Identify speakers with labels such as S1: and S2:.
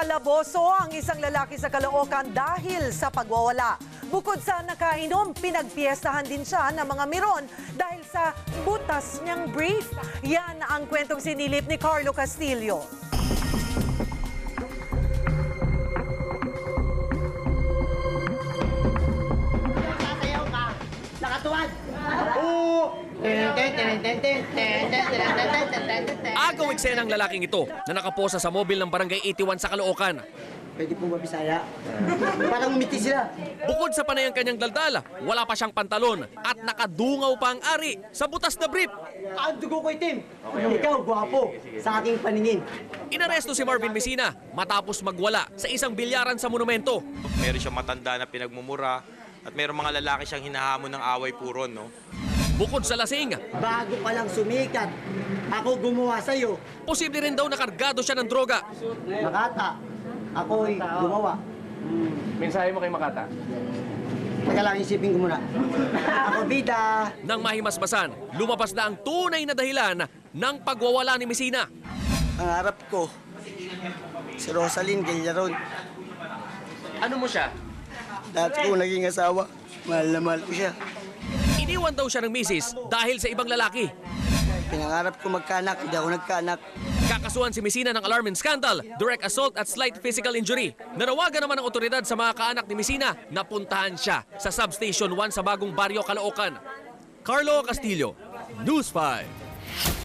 S1: Kalaboso ang isang lalaki sa Caloocan dahil sa pagwawala. Bukod sa nakainom, pinagpiestahan din siya ng mga miron dahil sa butas niyang brief. Yan ang kwentong sinilip ni Carlo Castillo.
S2: Sasayaw ka, nakatuwad.
S3: Agaw eksena ng lalaking ito na nakaposa sa mobil ng Barangay 81 sa Caloocan.
S2: Pwede po ba Bisaya? Parang umiti sila.
S3: Bukod sa panay ang kanyang daldal, wala pa siyang pantalon at nakadungaw pa ang ari sa butas na brief.
S2: Ang dugo ko itim. Ikaw, gwapo, sa aking paningin.
S3: Inaresto si Marvin Mesina matapos magwala sa isang bilyaran sa monumento.
S4: Meron siyang matanda na pinagmumura at meron mga lalaki siyang hinahamon ng away puron, no?
S3: Bukod sa lasing,
S2: Bago ka lang sumikat, ako gumawa sa'yo.
S3: posible rin daw nakargado siya ng droga.
S2: Makata, ako'y gumawa.
S5: Mensahe mo kay Makata?
S2: Teka lang, isipin ko muna. Ako, bida.
S3: Nang mahimasmasan, lumabas na ang tunay na dahilan ng pagwawala ni Mesina.
S2: Ang harap ko, si Rosaline Gallaron.
S5: Ano mo siya?
S2: Dati ko naging asawa. Mahal na mahal ko siya.
S3: Iniwan daw siya ng misis dahil sa ibang lalaki.
S2: Pinangarap ko magkaanak, hindi ako nagkaanak.
S3: Kakasuhan si Mesina ng alarm and scandal, direct assault at slight physical injury. Nanawagan naman ng otoridad sa mga kaanak ni Mesina na puntahan siya sa Substation 1 sa Bagong Baryo, Caloocan. Carlo Castillo, News 5.